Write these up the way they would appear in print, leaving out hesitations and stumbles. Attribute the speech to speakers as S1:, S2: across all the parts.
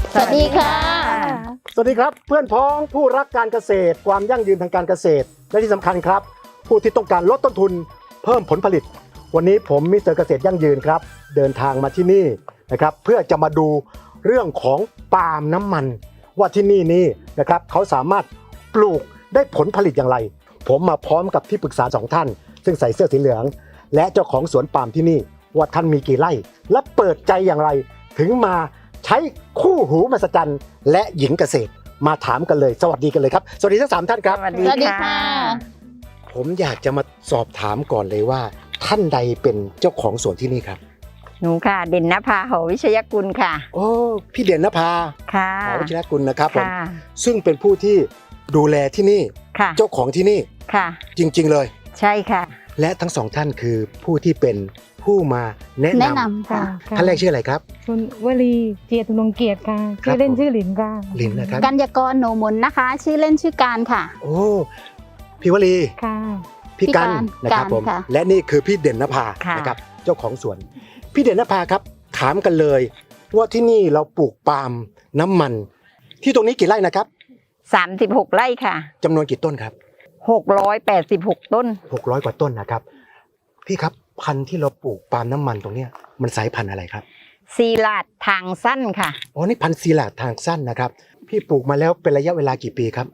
S1: สวัสดีค่ะ
S2: สวัสดีครับเพื่อนพ้องผู้รักการเกษตรความยั่งยืนทางการเกษตรและที่สำคัญครับผู้ที่ต้องการลดต้นทุนเพิ่มผลผลิตวันนี้ผมมิสเตอร์เกษตรยั่งยืนครับเดินทางมาที่นี่นะครับเพื่อจะมาดูเรื่องของปาล์มน้ำมันว่าที่นี่นะครับเขาสามารถปลูกได้ผลผลิตอย่างไรผมมาพร้อมกับที่ปรึกษา2ท่านซึ่งใส่เสื้อสีเหลืองและเจ้าของสวนปาล์มที่นี่ว่าท่านมีกี่ไร่และเปิดใจอย่างไรถึงมาใช้คู่หูมหัศจรรย์และหญิงเกษตรมาถามกันเลยสวัสดีกันเลยครับสวัสดีทั้ง3ท่านครับ
S1: สวัสดีค่ะ
S2: ผมอยากจะมาสอบถามก่อนเลยว่าท่านใดเป็นเจ้าของสวนที่นี่ครับ
S1: หนูค่ะเด่นนภาหอวิชยกุลค่ะ
S2: โอ้พี่เด่นนภา
S1: ค่ะ
S2: หอวิชยกุลนะครับผม
S1: ค่ะ
S2: ซึ่งเป็นผู้ที่ดูแลที่นี่
S1: ค่ะ
S2: เจ้าของที่นี่
S1: ค่ะ
S2: จริงๆเลย
S1: ใช่ค่ะ
S2: และทั้ง2ท่านคือผู้ที่เป็นผู้มาแนะ
S3: แนะ
S2: นำ
S3: นำค่ะ
S2: ท่านแรกชื่ออะไรครับ
S4: คุณวลีเจียตุนงเกียรติค่ะ
S2: ครับ
S4: ชื่อเล่นชื่อหลินค่ะ
S2: ลินนะครับ
S3: กัญญากรโหนมนนะคะ ชื่อเล่นชื่อการค่ะ
S2: โอ้พี่วลี
S4: ค่ะ
S2: พี่กัน
S3: พี่กัน
S2: นะครับผม
S3: ค่ะ
S2: และนี่คือพี่เด่นนภา
S1: ค่ะ
S2: นะครับเจ้าของสวน พี่เด่นนภาครับถามกันเลยว่าที่นี่เราปลูกปาล์มน้ำมัน ที่ตรงนี้กี่ไร่นะครับ
S1: 36 ไร่ค่ะ
S2: จำนวนกี่ต้นครับ
S1: 686 ต้น
S2: 600 กว่าต้นนะครับพี่ครับพันธุ์ที่เราปลูกปาล์มน้ำมันตรงเนี้ยมันสายพันธุ์อะไรครับ
S1: ซีลาดทางสั้นค่ะ
S2: อ๋อนี่พันธุ์ซีลาดทางสั้นนะครับพี่ปลูกมาแล้วเป็นระยะเวลากี่ปีครับ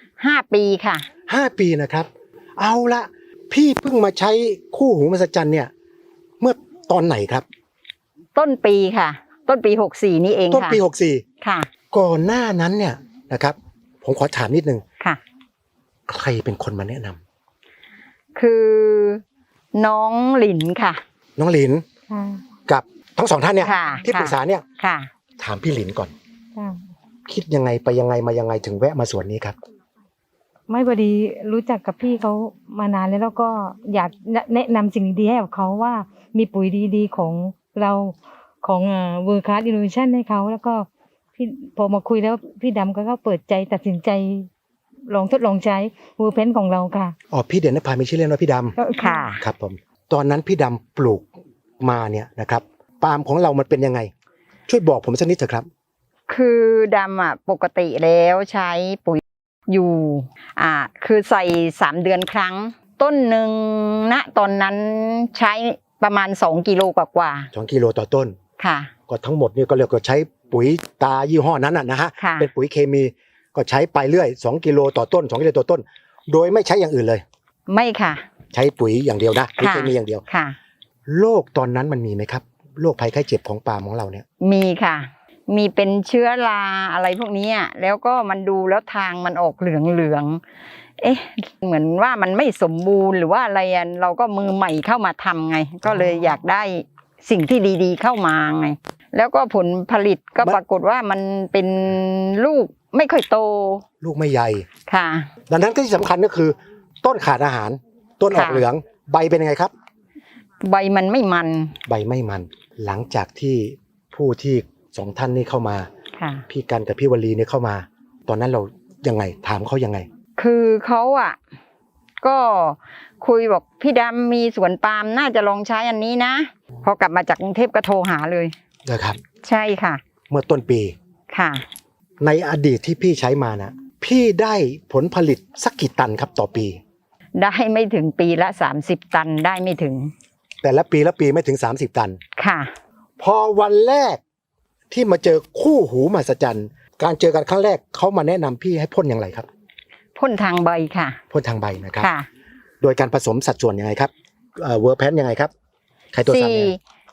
S1: 5 ปีค่ะ
S2: 5 ปีนะครับเอาละพี่เพิ่งมาใช้คู่หูมหัศจรรย์เนี่ยเมื่อตอนไหนครับ
S1: ต้นปีค่ะ ต้นปี 64 นี่เอง
S2: ต้น
S1: ค่ะ
S2: ปี
S1: ค่ะ
S2: 64ก่อนหน้านั้นเนี่ยนะครับผมขอถามนิดนึง
S1: ค่ะ
S2: ใครเป็นคนมาแนะนำ
S1: คือน้องหลินค่ะ
S2: น้องหลิน
S4: ค่ะ
S2: กับทั้ง2ท่านเนี่ย
S1: ค่ะ
S2: ที่ปรึกษาเนี่ย
S1: ค่ะ
S2: ถามพี่หลินก่อน
S4: ค่ะ
S2: คิดยังไงไปยังไงมายังไงถึงแวะมาสวนนี้ครับ
S4: ไม่พอดีรู้จักกับพี่เขามานานแล้วก็อยากแนะนำสิ่งดีๆให้กับเขาว่ามีปุ๋ยดีๆของเราของเวอร์คัสอินโนเวชันให้เขาแล้วก็พี่พอมาคุยแล้วพี่ดำก็เปิดใจตัดสินใจลองทดลองใช้เวอร์เพนของเราค่ะ
S2: อ๋อพี่เด่นนภามีชื่อเล่นว่าพี่ด
S1: ค่ะ
S2: ำครับผมตอนนั้นพี่ดำปลูกมาเนี่ยนะครับปาล์มของเรามันเป็นยังไง ช่วยบอกผมสักนิดเถอะครับ
S1: คือดำอ่ะปกติแล้วใช้ปุ๋ยอยู่คือใส่3 เดือนครั้ง ต้นหนึ่งณตอนนั้นใช้ประมาณ2 กิโลกว่า
S2: 2 กิโลต่อต้น
S1: ๆค่ะ
S2: ก็ทั้งหมดเนี่ยก็เรียกว่าใช้ปุ๋ยตายี่ห้อนั้นนะฮะ
S1: ค่ะ
S2: เป็นปุ๋ยเคมีก็ใช้ไปเรื่อย2 กิโลต่อต้น2 กิโลต่อต้น โดยไม่ใช้อย่างอื่นเลย
S1: ไม่ค่ะ
S2: ใช้ปุ๋ยอย่างเดียวนะปุ๋ย
S1: ค่ะ
S2: เคมีอย่างเดียว
S1: ค่ะ
S2: โรคตอนนั้นมันมีไหมครับโรคภัยไข้เจ็บของปาล์มของเราเนี่ย
S1: มีค่ะ มีเป็นเชื้อราอะไรพวกนี้อะแล้วก็มันดูแล้วทางมันออกเหลืองๆเอ๊ะเหมือนว่ามันไม่สมบูรณ์หรือว่าอะไรอะเราก็มือใหม่เข้ามาทำไง ก็เลยอยากได้สิ่งที่ดีๆเข้ามาไง แล้วก็ผลผลิตก็ปรากฏว่ามันเป็นลูกไม่ค่อยโต
S2: ลูกไม่ใหญ่
S1: ค่ะ
S2: ดังนั้นก็ที่สำคัญก็คือต้นขาดอาหาร ต้นออก
S1: ค่ะ
S2: เหลืองใบเป็นยังไงครับ
S1: ใบมันไม่มัน
S2: ใบไม่มัน หลังจากที่ผู้ที่2ท่านนี้เข้ามา
S1: ค่ะ
S2: พี่กันกับพี่วลีเนี่ยเข้ามา ตอนนั้นเรายังไงถามเขายังไง
S1: คือเขาอ่ะก็คุยบอกพี่ดำมีสวนปาล์มน่าจะลองใช้อันนี้นะพอกลับมาจากกรุงเทพก็โทรหาเลย
S2: นะครับ
S1: ใช่ค่ะ
S2: เมื่อต้นปี
S1: ค่ะ
S2: ในอดีตที่พี่ใช้มานะพี่ได้ผลผลิตสักกี่ตันครับต่อปี
S1: ได้ไม่ถึงปีละ30 ตันได้ไม่ถึง
S2: แต่ละปีไม่ถึง30 ตัน
S1: ค่ะ
S2: พอวันแรกที่มาเจอคู่หูมหัศจรรย์การเจอกันครั้งแรกเขามาแนะนำพี่ให้พ่นอย่างไรครับ
S1: พ่นทางใบค่ะ
S2: พ่นทางใบนะครับ
S1: ค่ะ
S2: โดยการผสมสัดส่วนยังไงครับเวอร์แพนยังไงครับใครตัวสามเนี่ย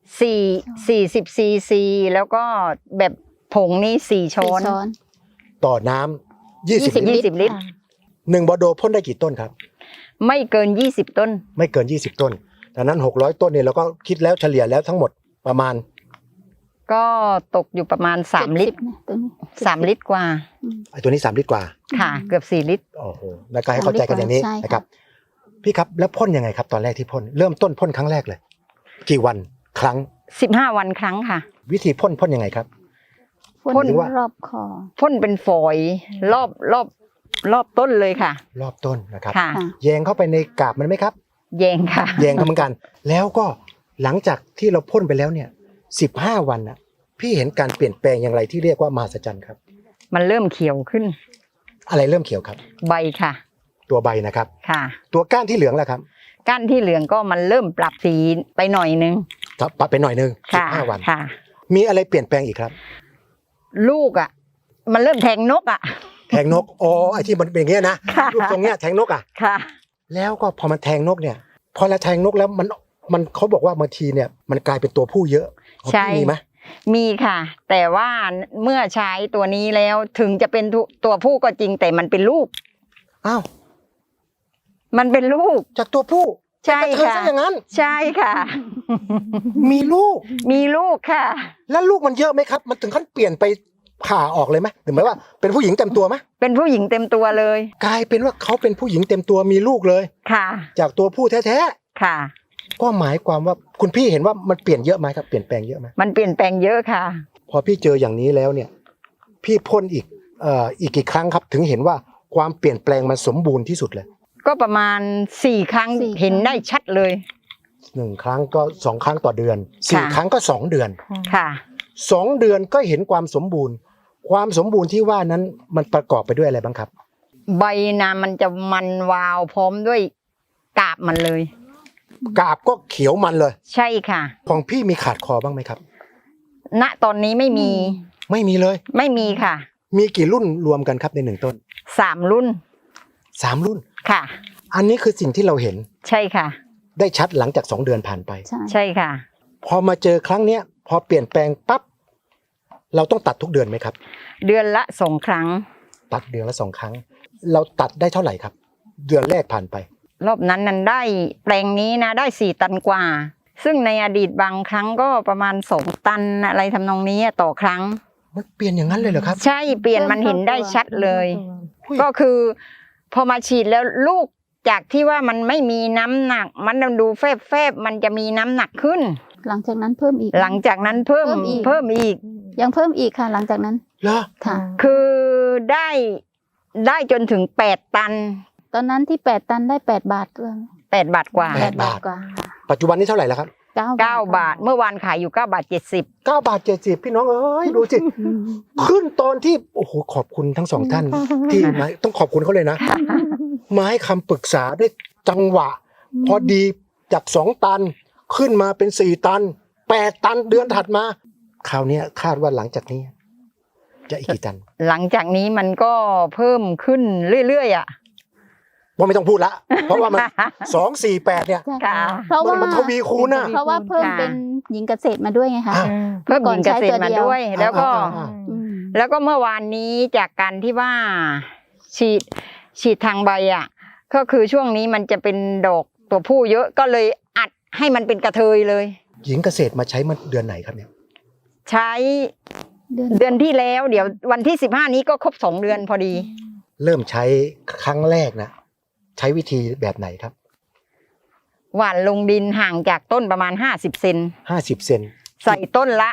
S1: 40 ซีซีแล้วก็แบบผงนี่4 ช้อน
S2: ต่อน้ำ20 ลิตร
S1: 20 ลิตร
S2: 1 บอโดพ่นได้กี่ต้นครับ
S1: ไม่เกิน20 ต้น
S2: ไม่เกิน20 ต้นดังนั้น600 ต้นเนี่ยเราก็คิดแล้วเฉลี่ยแล้วทั้งหมดประมาณ
S1: ก็ตกอยู่ประมาณ3 ลิตร3 ลิตรกว่า
S2: ไอ้ตัวนี้3 ลิตรกว่า
S1: ค่ะ เกือบ4 ลิตร
S2: โอ้โหแล้วก็ให้เข้าใจกันอย่างนี้
S3: ใช่ค่ะ
S2: นะครับพี่ครับแล้วพ่นยังไงครับตอนแรกที่พ่นเริ่มต้นพ่นครั้งแรกเลย กี่วันครั้ง
S1: 15 วันครั้งค่ะ
S2: วิธีพ่นยังไงครับ
S3: พ่น
S2: หรือว่า
S3: รอบคอ
S1: พ่นเป็นฝอยรอบต้นเลยค่ะ
S2: รอบต้นนะครับ
S1: ค่ะ
S3: ค่ะ
S2: แยงเข้าไปในกาบมันไหมครับ
S1: แยงค่ะ
S2: แยงเข้าเหมือนกัน แล้วก็หลังจากที่เราพ่นไปแล้วเนี่ย15 วันน่ะพี่เห็นการเปลี่ยนแปลงอย่างไรที่เรียกว่ามหัศจรรย์ครับ
S1: มันเริ่มเขียวขึ้น
S2: อะไรเริ่มเขียวครับ
S1: ใบค่ะ
S2: ตัวใบนะครับ
S1: ค่ะ
S2: ตัวก้านที่เหลืองแล้วครับ
S1: ก้านที่เหลืองก็มันเริ่มปรับสีไปหน่อยนึง
S2: ปรับไปหน่อยนึง
S1: ค่ะ
S2: 15 วัน
S1: ค่ะ
S2: มีอะไรเปลี่ยนแปลงอีกครับ
S1: ลูกอ่ะ มันเริ่มแทงนกอ่ะ
S2: แทงนกอ๋อไอ้ที่มันเป็นอย่างเงี้ยนะ
S1: ค่ะ
S2: รูปทรงเนี้ยแทงนกอ่ะ
S1: ค่ะ
S2: แล้วก็พอมันแทงนกเนี่ย พอเราแทงนกแล้วมันเขาบอกว่าบางทีเนี่ยมันกลายเป็นตัวผู้เยอะของ
S1: ใช่
S2: พี่มีไหม
S1: มีค่ะ แต่ว่าเมื่อใช้ตัวนี้แล้วถึงจะเป็นตัวผู้ก็จริงแต่มันเป็นลูก
S2: อ้าว
S1: มันเป็นลูก
S2: จากตัวผู้
S1: ใช่
S2: เป็นกระเทย
S1: ค่ะ
S2: ซะอย่างนั้น
S1: ใช่ค่ะ
S2: มีลูก
S1: มีลูกค่ะ
S2: แล้วลูกมันเยอะไหมครับ มันถึงขั้นเปลี่ยนไปผ่าออกเลยไหมหรือหมายว่าเป็นผู้หญิงเต็มตัวไหม
S1: เป็นผู้หญิงเต็มตัวเลย
S2: กลายเป็นว่าเขาเป็นผู้หญิงเต็มตัวมีลูกเลย
S1: ค่ะ
S2: จากตัวผู้แท้
S1: ค่ะ
S2: ๆก็หมายความว่าคุณพี่เห็นว่ามันเปลี่ยนเยอะไหมครับเปลี่ยนแปลงเยอะไหม
S1: มันเปลี่ยนแปลงเยอะค่ะ
S2: พอพี่เจออย่างนี้แล้วเนี่ย พี่พ่นอีกกี่ครั้งครับ ถึงเห็นว่าความเปลี่ยนแปลงมันสมบูรณ์ที่สุดเลย
S1: ก็ประมาณ4 ครั้ง
S3: 4
S1: เห็นได้ชัดเลย
S2: 1 ครั้งก็2 ครั้งต่อเดือน
S1: ค่ะ
S2: 4 ครั้งก็2 เดือน
S1: ค่ะ
S2: 2 เดือนก็เห็นความสมบูรณ์ ความสมบูรณ์ที่ว่านั้นมันประกอบไปด้วยอะไรบ้างครับ
S1: ใบนามันจะมันวาวพร้อมด้วยกาบมันเลย
S2: กาบก็เขียวมันเลย
S1: ใช่ค่ะ
S2: ของพี่มีขาดคอบ้างไหมครับ
S1: ณตอนนี้ไม่มี
S2: ไม่มีเลย
S1: ไม่มีค่ะ
S2: มีกี่รุ่นรวมกันครับใน1 ต้น
S1: 3 รุ่น
S2: 3 รุ่น
S1: ค่ะ
S2: อันนี้คือสิ่งที่เราเห็น
S1: ใช่ค่ะ
S2: ได้ชัดหลังจาก2 เดือนผ่านไป
S3: ใช่
S1: ใช่ค่ะ
S2: พอมาเจอครั้งเนี้ยพอเปลี่ยนแปลงปั๊บเราต้องตัดทุกเดือนไหมครับ
S1: เดือนละ2 ครั้ง
S2: ตัดเดือนละ2 ครั้ง เราตัดได้เท่าไหร่ครับ เดือนแรกผ่านไป
S1: รอบนั้นได้แปลงนี้นะได้4 ตันกว่า ซึ่งในอดีตบางครั้งก็ประมาณ2 ตันอะไรทำนองนี้ต่อครั้ง
S2: มันเปลี่ยนอย่างนั้นเลยเหรอครับ
S1: ใช่เปลี่ยนมันเห็นได้ชัดเลย
S2: อุ้ย
S1: ก็คือพอมาฉีดแล้วลูกจากที่ว่ามันไม่มีน้ำหนัก มันดูแฟบๆมันจะมีน้ำหนักขึ้น
S3: หลังจากนั้นเพิ่มอีก
S1: หลังจากนั้นเพิ่ม
S3: เพิ่มอีก
S1: เพิ่มอีก
S3: ยังเพิ่มอีกค่ะ หลังจากนั้น
S2: เหรอ
S3: ค่ะ
S1: คือได้จนถึง8 ตัน
S3: ตอนนั้นที่8 ตันได้8 บาทด้วย
S1: 8 บาทกว่า
S2: 8 บาท
S3: กว่า
S2: ปัจจุบันนี้เท่าไหร่แล้วครับ
S1: 9 บาท เมื่อวานขายอยู่9 บาท 70
S2: 9 บาท 70พี่น้องเอ้ยดูสิ
S3: อืม
S2: ขึ้นตอนที่โอ้โหขอบคุณทั้ง2 ท่านที่มาต้องขอบคุณเขาเลยนะ มาให้คำปรึกษาได้จังหวะ พอดีจาก2 ตันขึ้นมาเป็น4 ตัน 8 ตันเดือนถัดมา คราวเนี้ยคาดว่าหลังจากนี้ จะอีกกี่ตัน
S1: หลังจากนี้มันก็เพิ่มขึ้นเรื่อยๆ
S2: ว่าไม่ต้องพูดละ เพราะว่ามัน 248 เนี่ย
S3: ใช่
S1: ค่ะ
S3: เพราะว่า
S2: มันทวีคูณน่ะ
S3: เพราะว่าเพิ่มเป็นหญิงเกษตรมาด้วยไงคะ
S2: อ่า
S1: เพิ่มหญิงเกษตรมาด้วย แล้วก็
S2: อ่า
S3: อืม
S1: แล้วก็เมื่อวานนี้จากการที่ว่าฉีดทางใบก็คือช่วงนี้มันจะเป็นดอกตัวผู้เยอะก็เลยอัดให้มันเป็นกระเทยเลย
S2: หญิงเกษตรมาใช้เมื่อเดือนไหนครับเนี่ย
S1: ใช้เดือนที่แล้วเดี๋ยววันที่15นี้ก็ครบ2 เดือนพอดี
S2: เริ่มใช้ครั้งแรกนะใช้วิธีแบบไหนครับ
S1: หว่านลงดินห่างจากต้นประมาณ50 เซน
S2: 50 เซน
S1: ใส่ต้นละ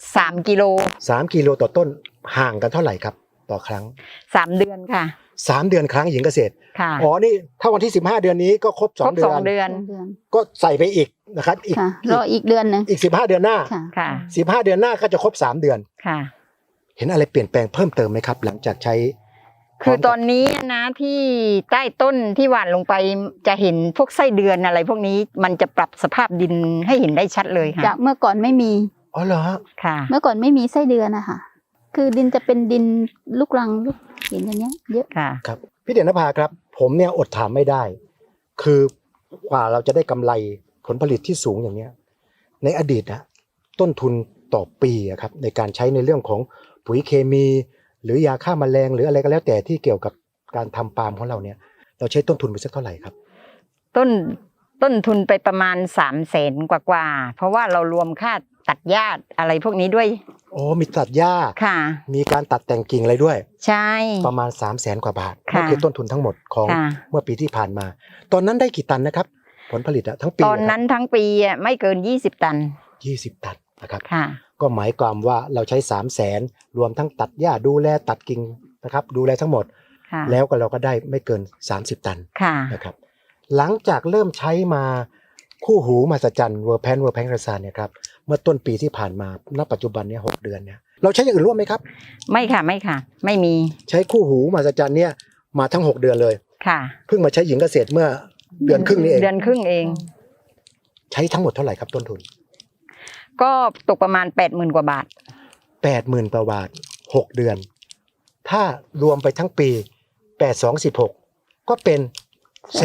S1: 3 กิโล
S2: 3 กิโลต่อต้นห่างกันเท่าไหร่ครับต่อครั้ง
S1: 3 เดือนค่ะ
S2: 3 เดือนครั้งหญิงเกษตร
S1: ค่ะ
S2: อ๋อนี่ถ้าวันที่15 เดือนนี้ก็ครบ
S1: ครบ
S2: 2 เดือน
S1: 2 เดือน
S3: เดือน
S2: ก็ใส่ไปอีกนะครับอีก
S3: ค่ะรออีกเดือนหนึ่ง
S2: อีก15 เดือนหน้า
S3: ค่ะ
S1: ค่ะ
S2: 15 เดือนหน้าก็จะครบ3 เดือน
S1: ค่ะ
S2: เห็นอะไรเปลี่ยนแปลงเพิ่มเติมไหมครับ หลังจากใช้
S1: คือตอนนี้นะที่ใต้ต้นที่หว่านลงไปจะเห็นพวกไส้เดือนอะไร พวกนี้มันจะปรับสภาพดินให้เห็นได้ชัดเลยค่ะ
S3: จากเมื่อก่อนไม่มี
S2: อ๋อเหรอฮะ
S1: ค่ะ
S3: เมื่อก่อนไม่มีไส้เดือนนะคะคือดินจะเป็นดินลูกรังลูกหินอย่างเงี้ย เยอะ
S1: ค่ะ
S2: ครับพี่เด่นนภาครับ ผมเนี่ยอดถามไม่ได้ คือกว่าเราจะได้กำไรผลผลิตที่สูงอย่างเนี้ยในอดีตนะต้นทุนต่อปีอะครับในการใช้ในเรื่องของปุ๋ยเคมี หรือยาฆ่าแมลงหรืออะไรก็แล้วแต่ที่เกี่ยวกับการทำปาล์มของเราเนี่ยเราใช้ต้นทุนไปสักเท่าไหร่ครับ
S1: ต้นทุนไปประมาณ300,000กว่าๆเพราะว่าเรารวมค่าตัดหญ้าอะไรพวกนี้ด้วย
S2: โอ้มีตัดหญ้า
S1: ค่ะ
S2: มีการตัดแต่งกิ่งอะไรด้วย
S1: ใช่
S2: ประมาณ300,000 กว่าบาท
S1: ค่ะ
S2: นั่นคือต้นทุนทั้งหมดของ
S1: ค่ะ
S2: เมื่อปีที่ผ่านมา ตอนนั้นได้กี่ตันนะครับ ผลผลิตอะทั้งปี
S1: ตอนนั้นทั้งปีไม่เกิน20 ตัน
S2: 20 ตันนะครับ
S1: ค่ะ
S2: ก็หมายความว่าเราใช้300,000รวมทั้งตัดหญ้าดูแลตัดกิ่งนะครับดูแลทั้งหมด
S1: ค่ะ
S2: แล้วก็เราก็ได้ไม่เกิน30 ตัน
S1: ค่ะ
S2: นะครับหลังจากเริ่มใช้มาคู่หูมหัศจรรย์เวอร์แพนกระซานเนี่ยครับเมื่อต้นปีที่ผ่านมาณปัจจุบันเนี่ย6 เดือนเนี่ยเราใช้อย่างอื่นร่วมไหมครับ
S1: ไม่ค่ะไม่ค่ะ ไม่มี
S2: ใช้คู่หูมหัศจรรย์เนี่ยมาทั้ง6 เดือนเลย
S1: ค่ะ
S2: เพิ่งมาใช้หญิงเกษตรเมื่อเดือนครึ่งนี้เอง
S1: เดือนครึ่งเอง
S2: ใช้ทั้งหมดเท่าไหร่ครับต้นทุน
S1: ก็ตกประมาณ 80,000 กว่าบาท
S2: 80,000 กว่าบาท6 เดือน ถ้ารวมไปทั้งปี8216ก็เป็น1,600,000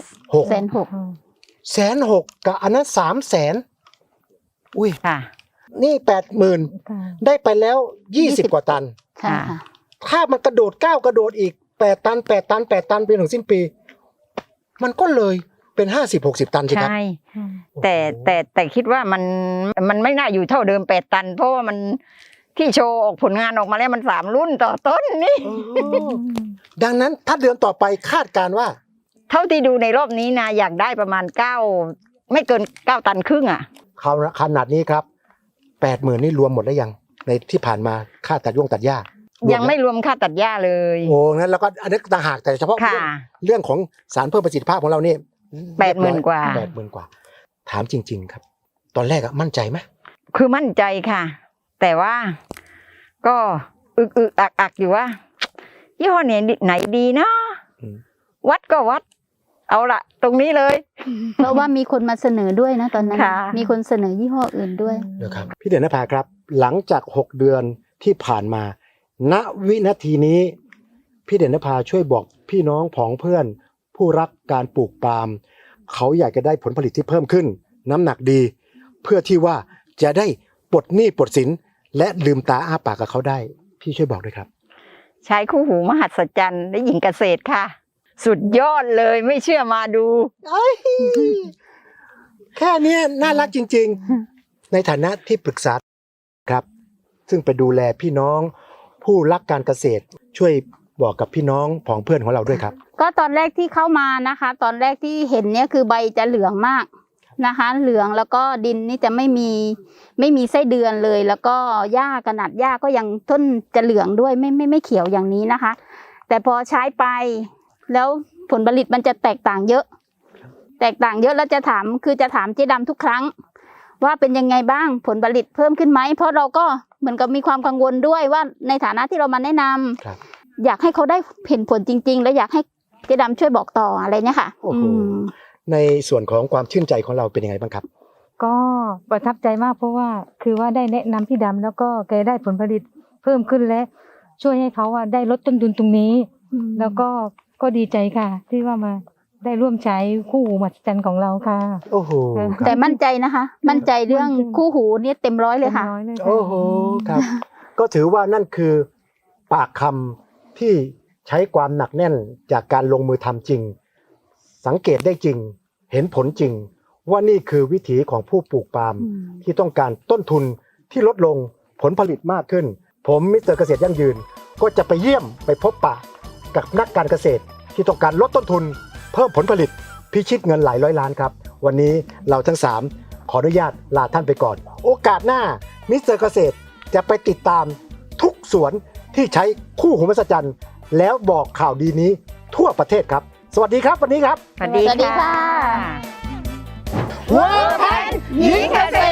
S2: 1,600,000กับอันนั้น300,000อุ้ย
S1: ค่ะ
S2: นี่ 80,000
S4: ค่ะ
S2: ได้ไปแล้ว20 กว่าตัน
S3: ค่ะ
S2: ถ้ามันกระโดดก้าวกระโดดอีก8 ตัน8 ตัน8 ตันไปถึงสิ้นปี มันก็เลยเป็น50-60 ตันใช่ครับ
S1: ใช่ แต่คิดว่ามันไม่น่าอยู่เท่าเดิม8 ตัน เพราะว่ามันที่โชว์ออกผลงานออกมาแล้วมัน3 รุ่นต่อต้นนี่
S2: ดังนั้นถ้าเดือนต่อไปคาดการณ์ว่า
S1: เท่าที่ดูในรอบนี้นะอยากได้ประมาณ9ไม่เกิน9 ตันครึ่งอ่ะ
S2: ขนาดนี้ครับ 80,000 นี่รวมหมดแล้วยังในที่ผ่านมาค่าตัดตัดหญ้า
S1: ยังไม่รวมค่าตัดหญ้าเลย
S2: โอ้งั้นแล้วก็อันนี้ต่างหากแต่เฉพาะ
S1: ค่ะ
S2: เรื่องของสารเพิ่มประสิทธิภาพของเรานี่
S1: 80,000 กว่า
S2: 80,000 กว่า ถามจริง ๆ ครับ ตอนแรกอะมั่นใจไหม
S1: คือมั่นใจค่ะ แต่ว่าก็อึกอักอยู่ว่ายี่ห้อไหนดีนะ วัดก็วัด เอาละตรงนี้เลย
S3: เพราะว่ามีคนมาเสนอด้วยนะตอนนั้น
S1: ค่ะ
S3: มีคนเสนอยี่ห้ออื่นด้วย
S2: เดี๋ยวครับพี่เด่นนภาครับ หลังจาก6 เดือนที่ผ่านมา ณวินาทีนี้พี่เด่นนภาช่วยบอกพี่น้องผองเพื่อน ผู้รักการปลูกปาล์มเขาอยากจะได้ผลผลิตที่เพิ่มขึ้น น้ำหนักดี เพื่อที่ว่าจะได้ปลดหนี้ปลดสินและลืมตาอ้าปากกับเขาได้ พี่ช่วยบอกด้วยครับ
S1: ใช้คู่หูมหัศจรรย์และหญิงเกษตรค่ะ สุดยอดเลยไม่เชื่อมาดู
S2: แค่เนี้ยน่ารักจริง ๆ ในฐานะที่ปรึกษาครับ ซึ่งไปดูแลพี่น้องผู้รักการเกษตร ช่วยบอกกับพี่น้องผองเพื่อนของเราด้วยครับ
S3: ก็ตอนแรกที่เข้ามานะคะ ตอนแรกที่เห็นเนี่ยคือใบจะเหลืองมากนะคะ เหลืองแล้วก็ดินนี่จะไม่มีไส้เดือนเลย แล้วก็หญ้าขนาดหญ้าก็ยังต้นจะเหลืองด้วยไม่เขียวอย่างนี้นะคะ แต่พอใช้ไปแล้วผลผลิตมันจะแตกต่างเยอะ แล้วจะถามเจ๊ดำทุกครั้ง ว่าเป็นยังไงบ้างผลผลิตเพิ่มขึ้นไหมเพราะเราก็เหมือนกับมีความกังวลด้วยว่าในฐานะที่เรามาแนะนำ
S2: ครับ
S3: อยากให้เขาได้เห็นผลจริง ๆ และอยากให้เจ๊ดำช่วยบอกต่ออะไรเนี่ยค่ะ
S2: โอ้โห ในส่วนของความชื่นใจของเราเป็นยังไงบ้างครับ
S4: ก็ประทับใจมากเพราะว่าคือว่าได้แนะนำพี่ดำแล้วก็แกได้ผลผลิตเพิ่มขึ้นและช่วยให้เขาว่าได้ลดต้นทุนตรงนี้ แล้วก็ดีใจค่ะ ที่ว่ามาได้ร่วมใช้คู่หูมหัศจรรย์ของเราค่ะ
S2: โอ้โหค
S3: แต่
S2: รับ
S3: มั่นใจนะคะ มั่นใจเรื่องคู่หูเนี่ยเต็มร้อยเลยค่ะ
S4: ต็มร้อยเลยค่ะ
S2: โอ้โหครับ ก็ถือว่านั่นคือปากคำที่ใช้ความหนักแน่นจากการลงมือทำจริง สังเกตได้จริง เห็นผลจริง ว่านี่คือวิถีของผู้ปลูกปาล์มที่ต้องการต้นทุนที่ลดลงผลผลิตมากขึ้น ผมมิสเตอร์เกษตรยั่งยืน ก็จะไปเยี่ยมไปพบปะกับนักการเกษตร ที่ต้องการลดต้นทุน เพิ่มผลผลิตพิชิตเงินหลายร้อยล้านครับ วันนี้เราทั้ง 3 ขออนุญาตลาท่านไปก่อน โอกาสหน้ามิสเตอร์เกษตรจะไปติดตามทุกสวนที่ใช้คู่หูมหัศจรรย์แล้วบอกข่าวดีนี้ทั่วประเทศครับ สวัสดีครับวันนี้ครับ
S1: สวัสดี
S3: สวัสดีค่ะ
S1: เวิร์คแพนหญิงเกษ